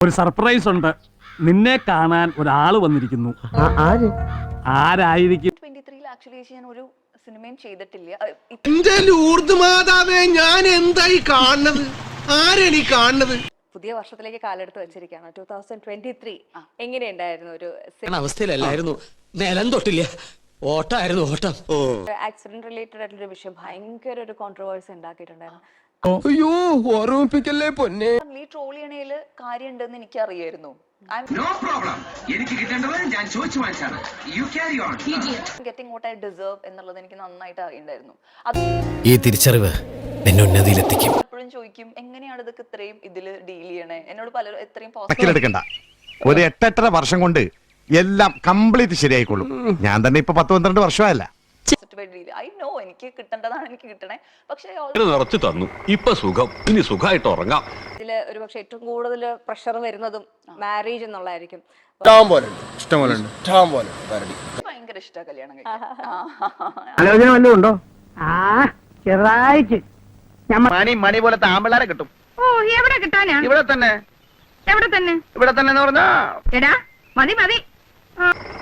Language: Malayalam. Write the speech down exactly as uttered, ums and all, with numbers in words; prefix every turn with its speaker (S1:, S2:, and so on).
S1: ഒരു സർപ്രൈസ് ഉണ്ട്. നിന്നെ കാണാൻ ഒരാള് വന്നിരിക്കുന്നു. ആരായിരിക്കും?
S2: ആക്ച്വലി ഞാൻ ഒരു സിനിമയും ചെയ്തിട്ടില്ല.
S3: എന്റെ ലൂർദ് മാതാവേ, ഞാൻ എന്തായി കാണുന്നത്? ആരെനി കാണുന്നത്?
S2: പുതിയ വർഷത്തിലേക്ക് കാലെടുത്ത് വെച്ചിരിക്കുകയാണ്. ടൂ തൗസൻഡ് ട്വന്റി ത്രീ എങ്ങനെയുണ്ടായിരുന്നു? ഒരു
S4: അവസ്ഥയിലല്ലായിരുന്നു, നിലം തൊട്ടില്ല, ഓട്ടായിരുന്നു ഓട്ടം.
S2: ആക്സിഡന്റ് റിലേറ്റഡ് ആയിട്ടുള്ള വിഷയം ഭയങ്കര ഒരു കോൺട്രവേഴ്സി ഉണ്ടാക്കിയിട്ടുണ്ടായിരുന്നു.
S3: അയ്യോ, ഓർമ്മിപ്പിക്കല്ലേ പൊന്നെ.
S2: ഈ ട്രോൾ ചെയ്യണേല് കാര്യം ഉണ്ടെന്ന് എനിക്ക് അറിയായിരുന്നു. എന്നുള്ളത് എനിക്ക് നന്നായിട്ട് അറിയണ്ടായിരുന്നു.
S4: ഈ തിരിച്ചറിവ് എന്നെ ഉന്നതിയിലെത്തിക്കും.
S2: എപ്പോഴും ചോദിക്കും, എങ്ങനെയാണ് ഇതൊക്കെ ഇത്രയും ഇതില് ഡീൽ ചെയ്യണേ? എന്നോട് പലരും എത്രയും
S5: എടുക്കണ്ട, ഒരു എട്ടെട്ടര വർഷം കൊണ്ട് എല്ലാം കംപ്ലീറ്റ് ശരിയായിക്കോളും. ഞാൻ തന്നെ ഇപ്പൊ പത്ത് പന്ത്രണ്ട് വർഷമായല്ല.
S2: ഐ നോ, എനിക്ക് കിട്ടേണ്ടതാണ് എനിക്ക് കിട്ടണേ. പക്ഷേ
S6: നിറച്ചു തന്നു, ഇപ്പൊ സുഖം, ഇനി സുഖമായിട്ട് ഉറങ്ങാം.
S2: ഇതില് ഒരു പക്ഷെ ഏറ്റവും കൂടുതൽ പ്രഷർ വരുന്നതും മാരേജ് എന്നുള്ളതായിരിക്കും. ഭയങ്കര ഇഷ്ടമാണ് കല്യാണം
S7: ആലോചന വല്ലതും ഉണ്ടോ? ചെറുതായിട്ട്
S8: മണി മണി പോലത്തെ ആമ്പിള്ളാരെ കിട്ടും.
S7: ഓ, എവിടെ കിട്ടാനാ?
S8: ഇവിടെ തന്നെ
S7: എവിടെ തന്നെ?
S8: ഇവിടെ തന്നെ എന്ന് പറഞ്ഞാ
S7: എടാ, മതി മതി.